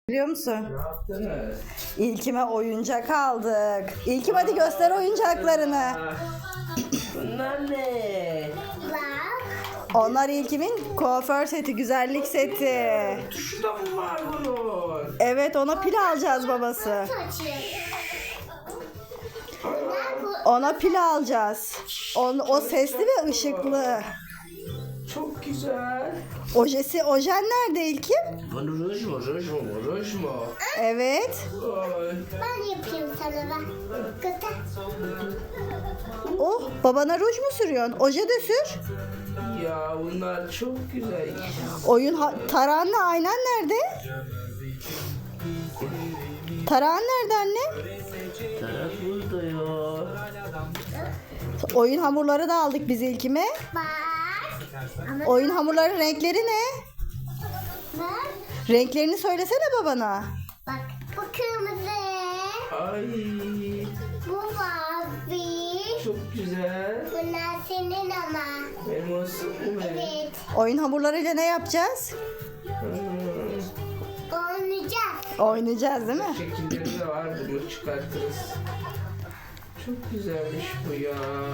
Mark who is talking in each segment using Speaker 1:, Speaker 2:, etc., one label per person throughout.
Speaker 1: Biliyor musun?
Speaker 2: Ne yaptınız?
Speaker 1: İlkime oyuncak aldık. İlkim hadi göster oyuncaklarını.
Speaker 2: Bunlar ne?
Speaker 1: Onlar İlkim'in kuaför seti, güzellik seti.
Speaker 2: Şurada mı var bunun?
Speaker 1: Evet, ona pil alacağız babası. Ona pil alacağız. O sesli ve ışıklı.
Speaker 2: Çok güzel.
Speaker 1: Ojen nerede İlkim?
Speaker 2: Bu ruj mu? Ruj mu? Ruj mu?
Speaker 1: Evet.
Speaker 2: Ay.
Speaker 3: Ben yapayım sana bak. Göster.
Speaker 1: Oh, babana ruj mu sürüyorsun? Oje de sür.
Speaker 2: Ya bunlar çok güzel.
Speaker 1: Tarağınla aynan nerede? Tarağın nerede anne?
Speaker 2: Taraf burada ya.
Speaker 1: Oyun hamurları da aldık biz İlkim'e.
Speaker 3: Bak. Ama
Speaker 1: Oyun hamurları renkleri ne?
Speaker 3: bak.
Speaker 1: Renklerini söylesene babana.
Speaker 3: Bak. Bu kırmızı.
Speaker 2: Ay.
Speaker 3: Bu mavi.
Speaker 2: Çok güzel.
Speaker 3: Bunlar senin ama.
Speaker 2: Benim olsun mu benim?
Speaker 3: Evet.
Speaker 1: Oyun hamurlarıyla ne yapacağız?
Speaker 3: Oynayacağız.
Speaker 1: Oynayacağız değil mi?
Speaker 2: Şekilleri de var. Bunu çıkartırız. Çok güzelmiş bu ya.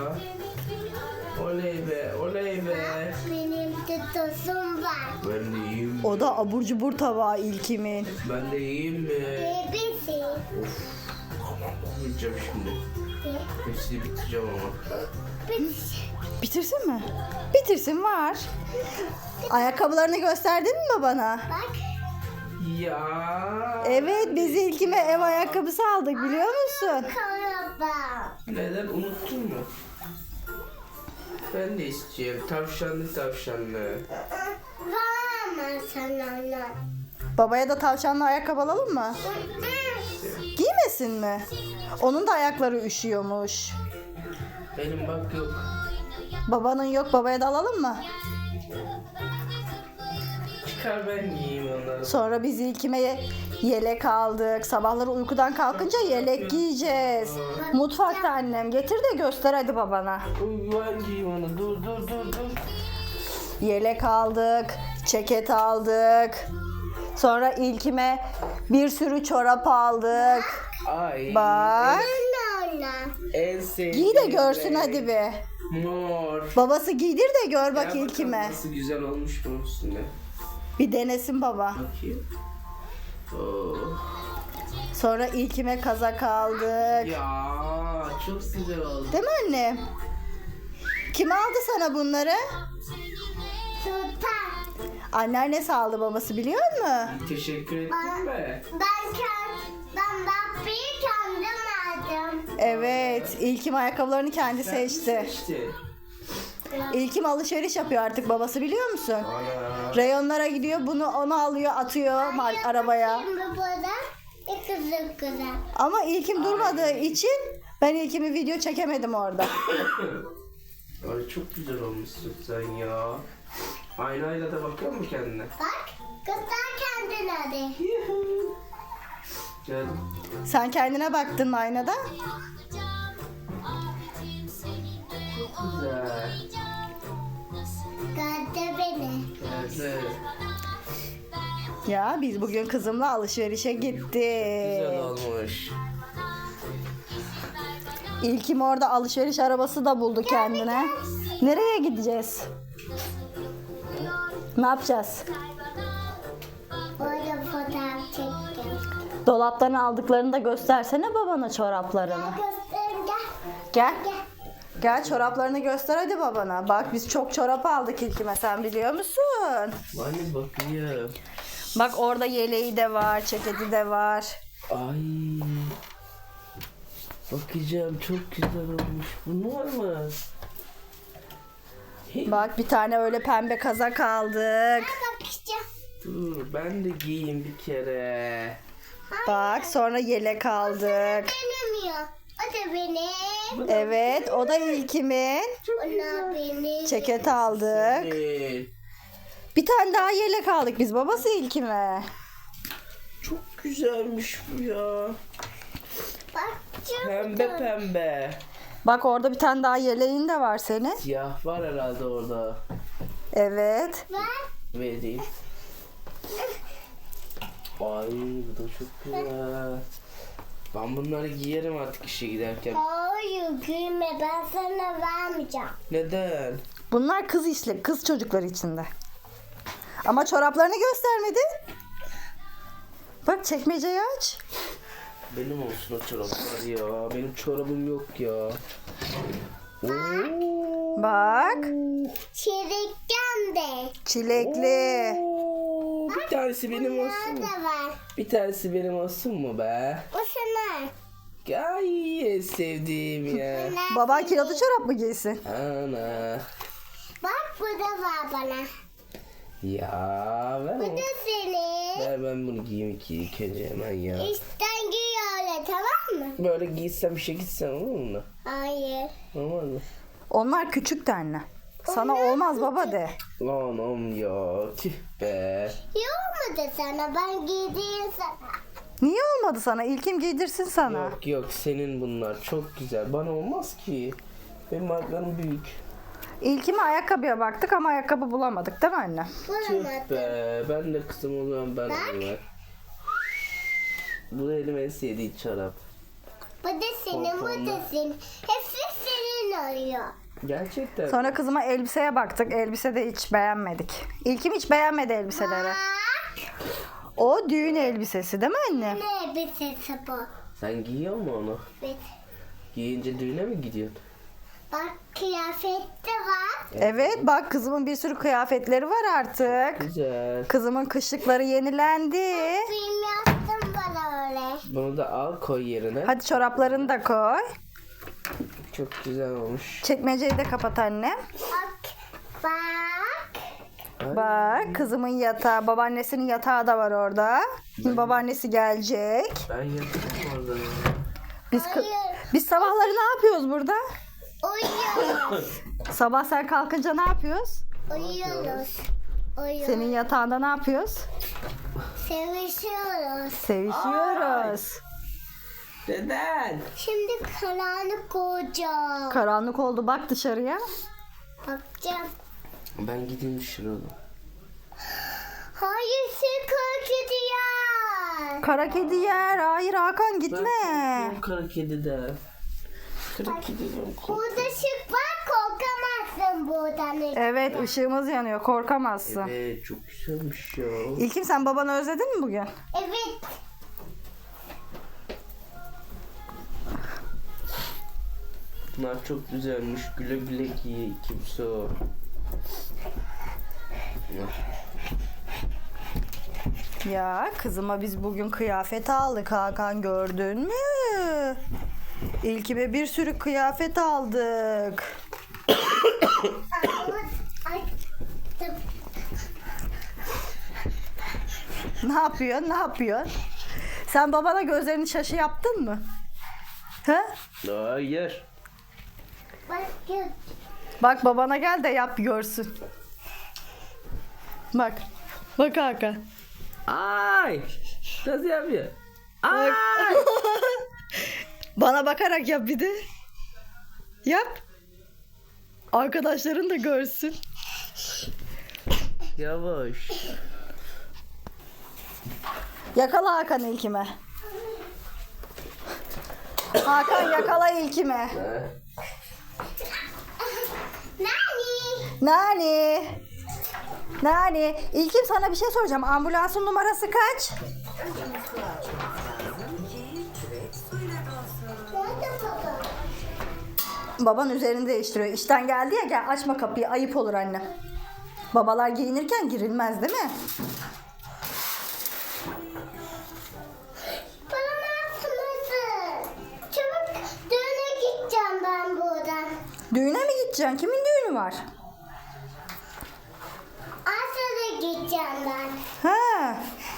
Speaker 2: Oley be, oley be.
Speaker 3: Benim de tozum var.
Speaker 2: Ben de yiyeyim.
Speaker 1: O da abur cubur tabağı İlkim'in.
Speaker 2: Ben de yiyeyim mi?
Speaker 3: Bebesi.
Speaker 2: Yiyeceğim şimdi. Hepsini bitireceğim ama.
Speaker 1: Bitirsin mi? Bitirsin var. Ayakkabılarını gösterdin mi babana?
Speaker 3: Bak.
Speaker 2: Ya.
Speaker 1: Evet, biz İlkim'e ev ayakkabısı aldık biliyor musun?
Speaker 3: Karaba.
Speaker 2: Neden unuttun mu? Ben de istiyorum. Tavşanlı tavşanlı.
Speaker 3: Var mı sana onlar?
Speaker 1: Babaya da tavşanlı ayakkabı alalım mı? Giymesin mi? Onun da ayakları üşüyormuş.
Speaker 2: Benim bak yok.
Speaker 1: Babanın yok, babaya da alalım mı?
Speaker 2: Çıkar ben giyeyim onları.
Speaker 1: Sonra biz İlkim'e yelek aldık. Sabahları uykudan kalkınca yelek giyeceğiz. Mutfakta annem. Getir de göster hadi babana.
Speaker 2: Ben giyeyim onu. Dur dur dur dur.
Speaker 1: Yelek aldık. Ceket aldık. Sonra İlkim'e bir sürü çorap aldık.
Speaker 2: Ay.
Speaker 1: Bak.
Speaker 3: Lola.
Speaker 2: En sevdiğim
Speaker 1: Giy de görsün
Speaker 2: renk.
Speaker 1: hadi bir.
Speaker 2: Mor.
Speaker 1: Babası giydir de gör bak
Speaker 2: Gel
Speaker 1: İlkim'e.
Speaker 2: bakalım nasıl güzel olmuş bunun üstünde.
Speaker 1: Bir denesin baba.
Speaker 2: Bakayım. Oh.
Speaker 1: Sonra İlkim'e kazak aldık.
Speaker 2: Ya çok güzel oldu.
Speaker 1: Değil mi anne? Kim aldı sana bunları?
Speaker 3: Sultan.
Speaker 1: Anneannesi aldı, babası biliyor musun?
Speaker 2: Teşekkür ettin mi?
Speaker 3: Ben bakmayı kendim aldım.
Speaker 1: Evet, İlkim ayakkabılarını kendi seçti.
Speaker 2: İşte.
Speaker 1: İlkim alışveriş yapıyor artık, babası biliyor musun?
Speaker 2: Ana.
Speaker 1: Reyonlara gidiyor, onu alıyor, atıyor arabaya.
Speaker 3: Şimdi burada kızım kızım.
Speaker 1: Ama İlkim durmadığı için ben İlkim'i video çekemedim orada.
Speaker 2: Ay çok güzel olmuşsun sen ya. Aynayla da bakıyor mu kendine?
Speaker 3: Bak. Göster kendine hadi.
Speaker 2: Gel.
Speaker 1: Sen kendine baktın mı aynada?
Speaker 2: Güzel.
Speaker 3: Göster beni.
Speaker 2: Güzel.
Speaker 1: Ya biz bugün kızımla alışverişe gittik.
Speaker 2: Güzel olmuş.
Speaker 1: İlkim orada alışveriş arabası da buldu kendine. Nereye gideceğiz? Ne yapacağız?
Speaker 3: Orada fotoğraf çektim.
Speaker 1: Dolaptan aldıklarını da göstersene babana, çoraplarını.
Speaker 3: Göstereyim gel.
Speaker 1: Gel.
Speaker 3: Gel.
Speaker 1: Gel çoraplarını göster hadi babana. Bak biz çok çorap aldık İlkim'e, sen biliyor musun?
Speaker 2: Hani bakayım.
Speaker 1: Bak orada yeleği de var, ceketi de var.
Speaker 2: Ay. Bakacağım çok güzel olmuş. Bunlar mı?
Speaker 1: Bak bir tane öyle pembe kazak aldık.
Speaker 3: Bakacağım.
Speaker 2: Dur ben de giyeyim bir kere.
Speaker 1: Bak sonra yelek aldık.
Speaker 3: Benim yok. O da benim.
Speaker 1: Evet, o da İlkim'in.
Speaker 3: O da benim.
Speaker 1: Ceket aldık.
Speaker 2: Evet.
Speaker 1: Bir tane daha yelek aldık biz babası İlkim'e.
Speaker 2: Çok güzelmiş bu ya.
Speaker 3: Bak çok
Speaker 2: Pembe pembe.
Speaker 1: Bak orada bir tane daha yeleğin de var senin.
Speaker 2: Siyah var herhalde orada.
Speaker 1: Evet.
Speaker 3: var.
Speaker 2: Vereyim. Ay bu da çok güzel. Ben bunları giyerim artık işe giderken.
Speaker 3: Hayır gülme, ben sana vermeyeceğim.
Speaker 2: Neden?
Speaker 1: Bunlar kız çocukları içinde. Ama çoraplarını göstermedi. Bak çekmeceyi aç.
Speaker 2: Benim olsun o çoraplar ya. Benim çorabım yok ya. Oo.
Speaker 1: Bak.
Speaker 3: Çelikten de.
Speaker 1: Çilekli.
Speaker 2: Oo, bir tanesi benim olsun mu?
Speaker 3: Nerede var?
Speaker 2: Bir tanesi benim olsun mu be?
Speaker 3: O sana.
Speaker 2: Ay en sevdiğim ya.
Speaker 1: Baban kilotlu çorap mı giysin?
Speaker 2: Ana.
Speaker 3: Bak bu da var bana.
Speaker 2: Ya
Speaker 3: Bu
Speaker 2: ver,
Speaker 3: da senin.
Speaker 2: ver ben bunu giyeyim ilk önce hemen ya.
Speaker 3: İşten giy öyle, tamam mı?
Speaker 2: Böyle giysem işe gitsem olur mu?
Speaker 3: Hayır.
Speaker 2: Olmaz mı?
Speaker 1: Onlar küçük de anne. Sana olmaz baba de.
Speaker 2: Anam ya tüh be.
Speaker 3: Yok mu da sana, ben giydiğim sana.
Speaker 1: Niye olmadı sana? İlkim giydirsin sana.
Speaker 2: Yok yok senin bunlar çok güzel. Bana olmaz ki. Benim ayaklarım büyük.
Speaker 1: İlkime ayakkabıya baktık ama ayakkabı bulamadık değil mi anne?
Speaker 2: Tüh
Speaker 3: Bulamadım.
Speaker 2: be. Ben de kızım o zaman ben
Speaker 3: Bak.
Speaker 2: alayım. Bu da elim en sevdiği çorap.
Speaker 3: Bu da senin, bu da senin. Hepsi senin oluyor.
Speaker 2: Gerçekten.
Speaker 1: Sonra kızıma elbiseye baktık. Elbise de hiç beğenmedik. İlkim hiç beğenmedi elbiseleri.
Speaker 3: Bak.
Speaker 1: O düğün elbisesi değil mi anne?
Speaker 3: Ne elbisesi bu?
Speaker 2: Sen giyiyor musun onu?
Speaker 3: Evet.
Speaker 2: Giyince düğüne mi gidiyorsun?
Speaker 3: Bak kıyafet de var.
Speaker 1: Evet bak kızımın bir sürü kıyafetleri var artık.
Speaker 2: Güzel.
Speaker 1: Kızımın kışlıkları yenilendi.
Speaker 3: Film yaptım bana öyle.
Speaker 2: Bunu da al koy yerine.
Speaker 1: Hadi çoraplarını da koy.
Speaker 2: Çok güzel olmuş.
Speaker 1: Çekmeceyi de kapat anne.
Speaker 3: Bak. Bak.
Speaker 1: Bak kızımın yatağı, babaannesinin yatağı da var orada. Şimdi babaannesi gelecek.
Speaker 2: Ben yatarım orada ya.
Speaker 3: Hayır.
Speaker 1: Biz sabahları ne yapıyoruz burada?
Speaker 3: Uyuyoruz.
Speaker 1: Sabah sen kalkınca ne yapıyoruz?
Speaker 3: Uyuyoruz. Uyuyoruz.
Speaker 1: Senin yatağında ne yapıyoruz?
Speaker 3: Sevişiyoruz.
Speaker 1: Sevişiyoruz.
Speaker 2: Neden?
Speaker 3: Şimdi karanlık olacak.
Speaker 1: Karanlık oldu bak dışarıya.
Speaker 3: Bakacağım.
Speaker 2: Ben gideyim dışarı.
Speaker 3: Hayır sen korkutu ya.
Speaker 1: Kara kedi yer. Hayır Hakan gitme.
Speaker 2: Ben kara kediden. Kara kediden kork.
Speaker 3: Burada ışık var, korkamazsın buradan.
Speaker 1: Evet ışığımız yanıyor korkamazsın.
Speaker 2: Evet çok güzelmiş ya.
Speaker 1: İlkim sen babanı özledin mi bugün?
Speaker 3: Evet.
Speaker 2: Bunlar çok güzelmiş. Güle güle giy kimse o.
Speaker 1: Ya kızıma biz bugün kıyafet aldık Hakan gördün mü? İlkime bir sürü kıyafet aldık.
Speaker 3: Ay.
Speaker 1: Ne yapıyorsun? Ne yapıyorsun? Sen babana gözlerini şaşı yaptın mı? He?
Speaker 2: Hayır.
Speaker 3: Bak gör.
Speaker 1: Bak babana gel de yap görsün. Bak. Bak Hakan.
Speaker 2: Ay. Nasıl yapıyor?
Speaker 1: Bak. Bana bakarak yap bir de. Yap. Arkadaşların da görsün.
Speaker 2: Yavaş.
Speaker 1: Yakala Hakan ilkime. Hakan yakala ilkime.
Speaker 2: Ha?
Speaker 3: Nani?
Speaker 1: Nani? Nani? İlkim sana bir şey soracağım. Ambulansın numarası kaç?
Speaker 3: Nerede baba?
Speaker 1: Baban üzerini değiştiriyor. İşten geldi ya gel açma kapıyı ayıp olur anne. Babalar giyinirken girilmez değil mi?
Speaker 3: Bana ne yaptınız? Çabuk düğüne gideceğim ben buradan.
Speaker 1: Düğüne mi gideceksin? Kimin düğünü var?
Speaker 3: Asya'da gideceğim ben.
Speaker 1: Ha,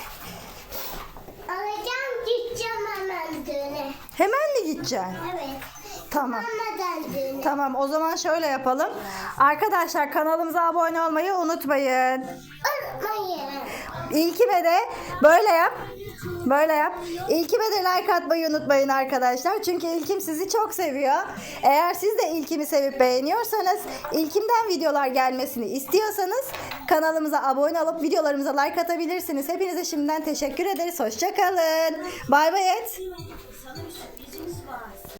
Speaker 3: Alacağım gideceğim hemen düğüne.
Speaker 1: hemen mi gideceksin?
Speaker 3: Evet.
Speaker 1: Tamam.
Speaker 3: Hemen düğüne.
Speaker 1: Tamam o zaman şöyle yapalım. Arkadaşlar kanalımıza abone olmayı unutmayın.
Speaker 3: Unutmayın.
Speaker 1: İlkime de böyle yap. Böyle yap. İlkime de like atmayı unutmayın arkadaşlar. Çünkü İlkim sizi çok seviyor. Eğer siz de İlkim'i sevip beğeniyorsanız, İlkim'den videolar gelmesini istiyorsanız Kanalımıza abone olup videolarımıza like atabilirsiniz. Hepinize şimdiden teşekkür ederiz. Hoşça kalın. Bay bay et.